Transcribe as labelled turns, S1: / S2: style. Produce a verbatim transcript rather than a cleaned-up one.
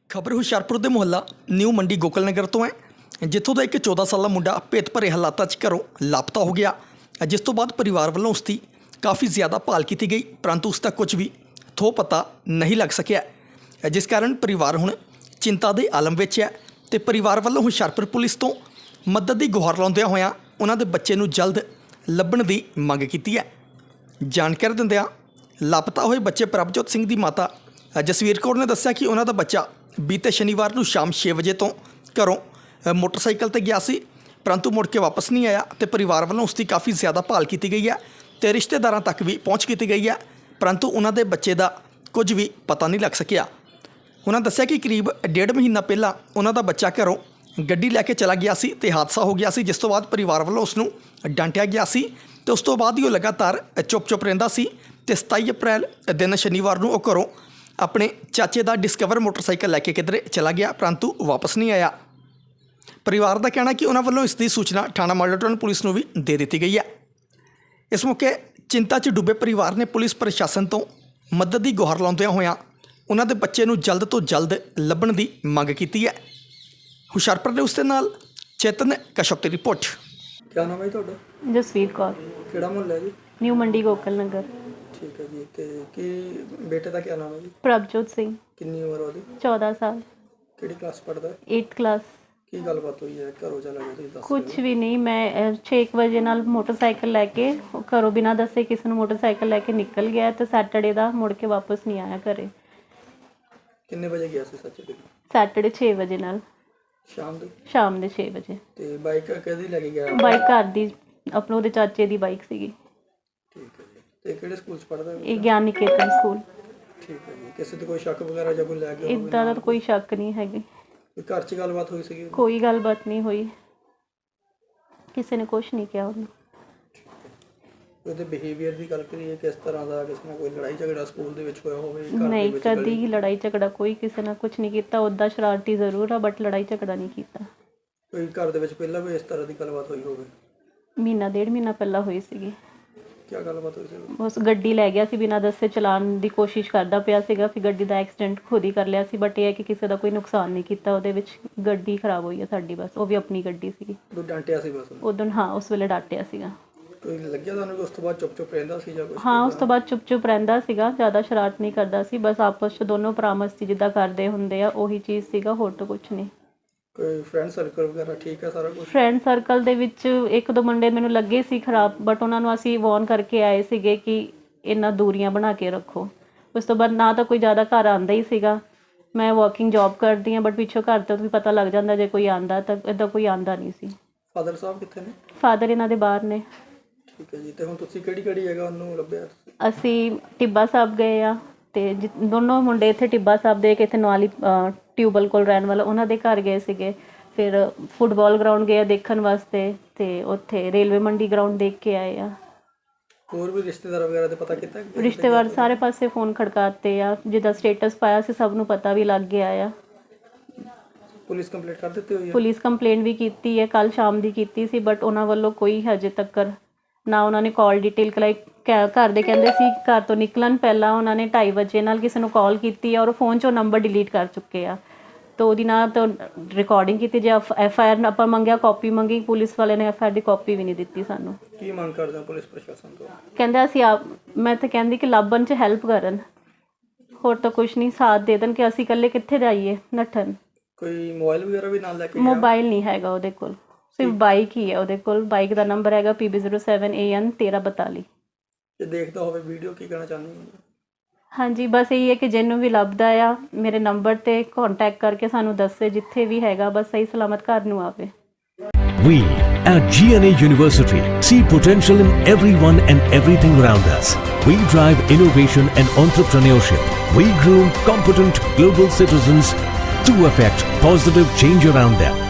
S1: ਖਬਰ ਹੁਸ਼ਿਆਰਪੁਰ ਦੇ ਮੁਹੱਲਾ ਨਿਊ ਮੰਡੀ ਗੋਕਲ ਨਗਰ ਤੋਂ ਹੈ, ਜਿੱਥੋਂ ਦਾ ਇੱਕ ਚੌਦਾਂ ਸਾਲਾ ਮੁੰਡਾ ਭੇਤ ਭਰੇ ਹਾਲਾਤਾਂ 'ਚ ਘਰੋਂ ਲਾਪਤਾ ਹੋ ਗਿਆ, ਜਿਸ ਤੋਂ ਬਾਅਦ ਪਰਿਵਾਰ ਵੱਲੋਂ ਉਸ ਦੀ ਕਾਫੀ ਜ਼ਿਆਦਾ ਭਾਲ ਕੀਤੀ ਗਈ, ਪਰੰਤੂ ਉਸ ਦਾ ਕੁਝ ਵੀ ਥੋ ਪਤਾ ਨਹੀਂ ਲੱਗ ਸਕਿਆ, ਜਿਸ ਕਾਰਨ ਪਰਿਵਾਰ ਹੁਣ ਚਿੰਤਾ ਦੇ ਆਲਮ ਵਿੱਚ ਹੈ ਤੇ ਪਰਿਵਾਰ ਵੱਲੋਂ ਹੁਸ਼ਿਆਰਪੁਰ ਪੁਲਿਸ ਤੋਂ ਮਦਦ ਦੀ ਗੁਹਾਰ ਲਾਉਂਦਿਆਂ ਹੋਇਆਂ ਉਹਨਾਂ ਦੇ ਬੱਚੇ ਨੂੰ ਜਲਦ ਲੱਭਣ ਦੀ ਮੰਗ ਕੀਤੀ ਹੈ। ਜਾਣਕਾਰੀ ਦਿੰਦਿਆਂ ਲਾਪਤਾ ਹੋਏ ਬੱਚੇ ਪ੍ਰਭਜੋਤ ਸਿੰਘ ਦੀ ਮਾਤਾ ਜਸਵੀਰ ਕੌਰ ਨੇ ਦੱਸਿਆ ਕਿ ਉਹਨਾਂ ਦਾ ਬੱਚਾ ਬੀਤੇ ਸ਼ਨੀਵਾਰ ਨੂੰ ਸ਼ਾਮ ਛੇ ਵਜੇ ਤੋਂ ਘਰੋਂ ਮੋਟਰਸਾਈਕਲ ਤੇ ਗਿਆ ਸੀ, ਪਰੰਤੂ ਮੁੜ ਕੇ ਵਾਪਸ ਨਹੀਂ ਆਇਆ ਤੇ ਪਰਿਵਾਰ ਵੱਲੋਂ ਉਸ ਦੀ ਕਾਫੀ ਜ਼ਿਆਦਾ ਭਾਲ ਕੀਤੀ ਗਈ ਹੈ ਤੇ ਰਿਸ਼ਤੇਦਾਰਾਂ ਤੱਕ ਵੀ ਪਹੁੰਚ ਕੀਤੀ ਗਈ ਹੈ, ਪਰੰਤੂ ਉਹਨਾਂ ਦੇ ਬੱਚੇ ਦਾ ਕੁਝ ਵੀ ਪਤਾ ਨਹੀਂ ਲੱਗ ਸਕਿਆ। ਉਹਨਾਂ ਦੱਸਿਆ ਕਿ ਕਰੀਬ ਡੇਢ ਮਹੀਨਾ ਪਹਿਲਾਂ ਉਹਨਾਂ ਦਾ ਬੱਚਾ ਘਰੋਂ ਗੱਡੀ ਲੈ ਕੇ ਚਲਾ ਗਿਆ ਸੀ ਤੇ ਹਾਦਸਾ ਹੋ ਗਿਆ ਸੀ, ਜਿਸ ਤੋਂ ਬਾਅਦ ਪਰਿਵਾਰ ਵੱਲੋਂ ਉਸ ਨੂੰ ਡਾਂਟਿਆ ਗਿਆ ਸੀ ਤੇ ਉਸ ਤੋਂ ਬਾਅਦ ਹੀ ਉਹ ਲਗਾਤਾਰ ਚੁੱਪ ਚੁੱਪ ਰਹਿੰਦਾ ਸੀ ਤੇ ਸਤਾਈ ਅਪ੍ਰੈਲ ਦਿਨ ਸ਼ਨੀਵਾਰ ਨੂੰ ਉਹ ਘਰੋਂ ਆਪਣੇ ਚਾਚੇ ਦਾ ਡਿਸਕਵਰ ਮੋਟਰਸਾਈਕਲ ਲੈ ਕੇ ਕਿਧਰੇ ਚਲਾ ਗਿਆ, ਪਰੰਤੂ ਵਾਪਸ ਨਹੀਂ ਆਇਆ। ਪਰਿਵਾਰ ਦਾ ਕਹਿਣਾ ਕਿ ਉਹਨਾਂ ਵੱਲੋਂ ਇਸ ਦੀ ਸੂਚਨਾ ਥਾਣਾ ਮਾਡਲ ਟਾਊਨ ਪੁਲਿਸ ਨੂੰ ਵੀ ਦੇ ਦਿੱਤੀ ਗਈ ਹੈ। ਇਸ ਮੌਕੇ ਚਿੰਤਾ 'ਚ ਡੁੱਬੇ ਪਰਿਵਾਰ ਨੇ ਪੁਲਿਸ ਪ੍ਰਸ਼ਾਸਨ ਤੋਂ ਮਦਦ ਦੀ ਗੁਹਾਰ ਲਾਉਂਦਿਆਂ ਹੋਇਆਂ ਉਹਨਾਂ ਦੇ ਬੱਚੇ ਨੂੰ ਜਲਦ ਤੋਂ ਜਲਦ ਲੱਭਣ ਦੀ ਮੰਗ ਕੀਤੀ ਹੈ। ਹੁਸ਼ਿਆਰਪੁਰ ਦੇ ਉਸ ਦੇ ਨਾਲ ਚੇਤਨ ਕਸ਼ਪ ਦੀ ਰਿਪੋਰਟ।
S2: क्या नाम है जी ਤੁਹਾਡਾ?
S3: ਜਸਵੀਰ ਕੌਰ,
S2: ਕਿਹੜਾ ਮੁਹੱਲਾ ਹੈ ਜੀ?
S3: ਨਿਊ ਮੰਡੀ ਗੋਕਲ ਨਗਰ।
S2: ਠੀਕ ਹੈ ਜੀ। ਤੇ ਕੀ ਬੇਟੇ ਦਾ ਕੀ ਨਾਮ ਹੈ ਜੀ?
S3: ਪ੍ਰਭਜੋਤ ਸਿੰਘ,
S2: ਕਿੰਨੀ ਉਮਰ ਉਹਦੀ?
S3: ਚੌਦਾਂ ਸਾਲ,
S2: ਕਿਹੜੀ ਕਲਾਸ ਪੜ੍ਹਦਾ ਹੈ?
S3: ਅੱਠਵੀਂ ਕਲਾਸ।
S2: ਕੀ ਗੱਲਬਾਤ ਹੋਈ ਹੈ? ਘਰੋਂ ਚਲਾ ਗਿਆ ਤੁਸੀਂ ਦੱਸ?
S3: ਕੁਛ ਵੀ ਨਹੀਂ, ਮੈਂ ਛੇ ਵਜੇ ਨਾਲ ਮੋਟਰਸਾਈਕਲ ਲੈ ਕੇ ਉਹ ਘਰੋਂ ਬਿਨਾਂ ਦੱਸੇ ਕਿਸੇ ਨੂੰ ਮੋਟਰਸਾਈਕਲ ਲੈ ਕੇ ਨਿਕਲ ਗਿਆ ਤੇ ਸੈਟਰਡੇ ਦਾ ਮੁੜ ਕੇ ਵਾਪਸ ਨਹੀਂ ਆਇਆ ਘਰੇ।
S2: ਕਿੰਨੇ ਵਜੇ ਗਿਆ ਸੀ ਸੱਚੇ?
S3: ਸੈਟਰਡੇ ਛੇ ਵਜੇ ਨਾਲ,
S2: ਸ਼ਾਮ ਦੇ?
S3: ਸ਼ਾਮ ਦੇ ਛੇ ਵਜੇ।
S2: ਤੇ ਬਾਈਕ ਕਿਹਦੀ ਲੈ ਕੇ ਗਿਆ?
S3: ਬਾਈਕ ਘਰ ਦੀ, ਆਪਣੇ ਉਹਦੇ ਚਾਚੇ ਦੀ ਬਾਈਕ ਸੀਗੀ।
S2: ਠੀਕ ਹੈ ਜੀ। ਤੇ ਕਿਹੜੇ ਸਕੂਲ 'ਚ ਪੜ੍ਹਦਾ ਹੈ?
S3: ਇਹ ਗਿਆਨ ਨਿਕੇਤਨ ਸਕੂਲ।
S2: ਠੀਕ ਹੈ ਜੀ। ਕਿਸੇ ਤੇ ਕੋਈ ਸ਼ੱਕ ਵਗੈਰਾ ਜਾਂ ਕੋਈ ਲੈ ਕੇ
S3: ਇੱਦਾਂ ਦਾ ਤਾਂ ਕੋਈ ਸ਼ੱਕ ਨਹੀਂ ਹੈਗੀ,
S2: ਕੋਈ ਘਰ 'ਚ ਗੱਲਬਾਤ ਹੋਈ ਸੀਗੀ?
S3: ਕੋਈ ਗੱਲਬਾਤ ਨਹੀਂ ਹੋਈ, ਕਿਸੇ ਨੇ ਕੁਛ ਨਹੀਂ ਕਿਹਾ ਉਹਨੂੰ।
S2: ਉਹਦੇ ਬਿਹੇਵੀਅਰ ਦੀ ਗੱਲ ਕਰੀਏ, ਕਿਸ ਤਰ੍ਹਾਂ ਦਾ? ਕਿਸੇ ਨਾਲ ਕੋਈ ਲੜਾਈ ਝਗੜਾ ਸਕੂਲ ਦੇ ਵਿੱਚ ਹੋਇਆ ਹੋਵੇ? ਘਰ ਦੇ
S3: ਨਹੀਂ,
S2: ਵਿੱਚ
S3: ਕਦੀ ਹੀ ਲੜਾਈ ਝਗੜਾ ਕੋਈ ਕਿਸੇ ਨਾਲ ਕੁਝ ਨਹੀਂ ਕੀਤਾ। ਉੱਦਾਂ ਸ਼ਰਾਰਤੀ ਜ਼ਰੂਰ ਆ, ਬਟ ਲੜਾਈ ਝਗੜਾ ਨਹੀਂ ਕੀਤਾ।
S2: ਕੋਈ ਘਰ ਦੇ ਵਿੱਚ ਪਹਿਲਾਂ ਵੀ ਇਸ ਤਰ੍ਹਾਂ ਦੀ ਗੱਲਬਾਤ ਹੋਈ ਹੋਵੇ?
S3: ਮਹੀਨਾ ਡੇਢ ਮਹੀਨਾ ਪਹਿਲਾਂ ਹੋਈ ਸੀਗੀ।
S2: ਕੀ ਗੱਲਬਾਤ ਹੋਈ ਸੀ?
S3: ਉਸ ਗੱਡੀ ਲੈ ਗਿਆ ਸੀ, ਬਿਨਾਂ ਦੱਸੇ ਚਲਾਉਣ ਦੀ ਕੋਸ਼ਿਸ਼ ਕਰਦਾ ਪਿਆ ਸੀਗਾ, ਫਿਰ ਗੱਡੀ ਦਾ ਐਕਸੀਡੈਂਟ ਖੁਦ ਹੀ ਕਰ ਲਿਆ ਸੀ, ਬਟ ਇਹ ਹੈ ਕਿ ਕਿਸੇ ਦਾ ਕੋਈ ਨੁਕਸਾਨ ਨਹੀਂ ਕੀਤਾ ਉਹਦੇ ਵਿੱਚ। ਗੱਡੀ ਖਰਾਬ ਹੋਈ ਹੈ ਸਾਡੀ, ਬਸ। ਉਹ ਵੀ ਆਪਣੀ ਗੱਡੀ ਸੀਗੀ।
S2: ਉਹ ਡਾਂਟਿਆ ਸੀ ਬਸ?
S3: ਉਦੋਂ ਹਾਂ, ਉਸ ਵੇਲੇ ਡਾਂਟਿਆ ਸੀਗਾ।
S2: ਕੋਈ ਲੱਗਿਆ ਤੁਹਾਨੂੰ ਕਿ ਉਸ ਤੋਂ ਬਾਅਦ ਚੁੱਪ ਚੁੱਪ ਰਹਿੰਦਾ ਸੀ ਜਾਂ ਕੁਝ?
S3: ਹਾਂ, ਉਸ ਤੋਂ ਬਾਅਦ ਚੁੱਪ ਚੁੱਪ ਰਹਿੰਦਾ ਸੀਗਾ, ਜ਼ਿਆਦਾ ਸ਼ਰਾਰਤ ਨਹੀਂ ਕਰਦਾ ਸੀ, ਬਸ ਆਪਸ 'ਚ ਦੋਨੋਂ ਭਰਾ ਮਸਤੀ ਜਿੱਦਾਂ ਕਰਦੇ ਹੁੰਦੇ ਆ ਉਹੀ ਚੀਜ਼ ਸੀਗਾ, ਹੋਰ ਤਾਂ ਕੁਛ ਨਹੀਂ।
S2: ਕੋਈ ਫਰੈਂਡ ਸਰਕਲ ਵਗੈਰਾ ਠੀਕ ਹੈ ਸਾਰਾ ਕੁਝ?
S3: ਫਰੈਂਡ ਸਰਕਲ ਦੇ ਵਿੱਚ ਇੱਕ ਦੋ ਮੁੰਡੇ ਮੈਨੂੰ ਲੱਗੇ ਸੀ ਖਰਾਬ, ਬਟ ਉਹਨਾਂ ਨੂੰ ਅਸੀਂ ਵਾਰਨ ਕਰਕੇ ਆਏ ਸੀਗੇ ਕਿ ਇਹਨਾਂ ਦੂਰੀਆਂ ਬਣਾ ਕੇ ਰੱਖੋ। ਉਸ ਤੋਂ ਬਾਅਦ ਨਾ ਤਾਂ ਕੋਈ ਜ਼ਿਆਦਾ ਘਰ ਆਉਂਦਾ ਹੀ ਸੀਗਾ। ਮੈਂ ਵਾਕਿੰਗ ਜੌਬ ਕਰਦੀ ਹਾਂ, ਬਟ ਪਿੱਛੋਂ ਘਰ ਤੋਂ ਵੀ ਪਤਾ ਲੱਗ ਜਾਂਦਾ ਜੇ ਕੋਈ ਆਉਂਦਾ, ਤਾਂ ਇੱਦਾਂ ਕੋਈ ਆਉਂਦਾ ਨਹੀਂ ਸੀ।
S2: ਫਾਦਰ ਸਾਹਿਬ ਕਿੱਥੇ ਨੇ?
S3: ਫਾਦਰ ਇਹਨਾਂ ਦੇ ਬਾਹਰ ਨੇ।
S2: ਠੀਕ ਹੈ ਜੀ। ਤੇ ਹੁਣ ਤੁਸੀਂ ਕਿਹੜੀ ਕਿਹੜੀ ਜਗ੍ਹਾ ਉਹਨੂੰ ਲੱਭਿਆ?
S3: ਅਸੀਂ ਟਿੱਬਾ ਸਾਹਿਬ ਗਏ ਆ, ਤੇ ਜਿ ਦੋਨੋਂ ਮੁੰਡੇ ਇੱਥੇ ਟਿੱਬਾ ਸਾਹਿਬ ਦੇ ਇੱਕ ਇੱਥੇ ਨਵਾਲੀ ਟਿਊਬਲ ਕੋਲ ਰਹਿਣ ਵਾਲਾ, ਉਹਨਾਂ ਦੇ ਘਰ ਗਏ ਸੀਗੇ। ਫਿਰ ਫੁੱਟਬਾਲ ਗਰਾਊਂਡ ਗਏ ਦੇਖਣ ਵਾਸਤੇ, ਤੇ ਉੱਥੇ ਰੇਲਵੇ ਮੰਡੀ ਗਰਾਊਂਡ ਦੇਖ ਕੇ ਆਏ ਆ।
S2: ਹੋਰ ਵੀ ਰਿਸ਼ਤੇਦਾਰ ਵਗੈਰਾ ਦੇ ਪਤਾ ਕੀਤਾ?
S3: ਰਿਸ਼ਤੇਦਾਰ ਸਾਰੇ ਪਾਸੇ ਫੋਨ ਖੜਕਾਤੇ ਆ, ਜਿੱਦਾਂ ਸਟੇਟਸ ਪਾਇਆ ਸੀ ਸਭ ਨੂੰ ਪਤਾ ਵੀ ਲੱਗ ਗਿਆ ਆ।
S2: ਪੁਲਿਸ ਕੰਪਲੇਂਟ ਕਰ ਦਿੱਤੀ ਹੋਈ ਹੈ?
S3: ਪੁਲਿਸ ਕੰਪਲੇਂਟ ਵੀ ਕੀਤੀ ਹੈ, ਕੱਲ ਸ਼ਾਮ ਦੀ ਕੀਤੀ ਸੀ, ਬਟ ਉਹਨਾਂ ਵੱਲੋਂ ਕੋਈ ਹਜੇ ਤੱਕ ਨਾ ਉਹਨਾਂ ਨੇ ਕਾਲ ਡਿਟੇਲ ਕਰਾਈ। ਘਰ ਦੇ ਕਹਿੰਦੇ ਸੀ ਘਰ ਤੋਂ ਨਿਕਲਣ ਪਹਿਲਾਂ ਉਹਨਾਂ ਨੇ ਢਾਈ ਵਜੇ ਨਾਲ ਕਿਸੇ ਨੂੰ ਕਾਲ ਕੀਤੀ ਆ, ਔਰ ਫੋਨ 'ਚੋਂ ਨੰਬਰ ਡਿਲੀਟ ਕਰ ਚੁੱਕੇ ਆ, ਤਾਂ ਉਹਦੀ ਨਾ ਤਾਂ ਰਿਕਾਰਡਿੰਗ ਕੀਤੀ। ਜੇ ਐਫ ਆਈ ਆਰ ਆਪਾਂ ਮੰਗਿਆ, ਕਾਪੀ ਮੰਗੀ, ਪੁਲਿਸ ਵਾਲੇ ਨੇ ਐਫ ਆਈ ਆਰ ਦੀ ਕਾਪੀ ਵੀ ਨਹੀਂ ਦਿੱਤੀ ਸਾਨੂੰ।
S2: ਕੀ ਮੰਗ ਕਰਦੇ ਹੋ ਪੁਲਿਸ ਪ੍ਰਸ਼ਾਸਨ ਤੋਂ?
S3: ਕਹਿੰਦੇ ਅਸੀਂ ਆਪ, ਮੈਂ ਤਾਂ ਕਹਿੰਦੀ ਕਿ ਲੱਭਣ 'ਚ ਹੈਲਪ ਕਰਨ, ਹੋਰ ਤਾਂ ਕੁਛ ਨਹੀਂ, ਸਾਥ ਦੇ ਦੇਣ ਕਿ ਅਸੀਂ ਇਕੱਲੇ ਕਿੱਥੇ ਜਾਈਏ ਨੱਠਣ।
S2: ਕੋਈ ਮੋਬਾਈਲ ਵਗੈਰਾ ਵੀ ਨਾਲ ਲੈ ਕੇ ਗਿਆ?
S3: ਮੋਬਾਈਲ ਨਹੀਂ ਹੈਗਾ ਉਹਦੇ ਕੋਲ, ਸਿਰਫ ਬਾਈਕ ਹੀ ਹੈ ਉਹਦੇ ਕੋਲ। ਬਾਈਕ ਦਾ ਨੰਬਰ ਹੈਗਾ P B zero seven A N ਤੇਰ੍ਹਾਂ ਬਤਾਲੀ।
S2: ਜੇ ਦੇਖਦਾ ਹੋਵੇ ਵੀਡੀਓ, ਕੀ ਕਹਿਣਾ ਚਾਹੁੰਦੇ ਹੋ?
S3: ਹਾਂਜੀ, ਬਸ ਇਹੀ ਹੈ ਕਿ ਜਿਹਨੂੰ ਵੀ ਲੱਭਦਾ ਆ ਮੇਰੇ ਨੰਬਰ 'ਤੇ ਕੰਟੈਕਟ ਕਰਕੇ ਸਾਨੂੰ ਦੱਸੇ, ਜਿੱਥੇ ਵੀ ਹੈਗਾ, ਬਸ ਸਹੀ ਸਲਾਮਤ ਘਰ ਨੂੰ ਆਵੇ।
S4: We at G N A University see potential in everyone and everything around us. We drive innovation and entrepreneurship. We groom competent global citizens to affect positive change around them.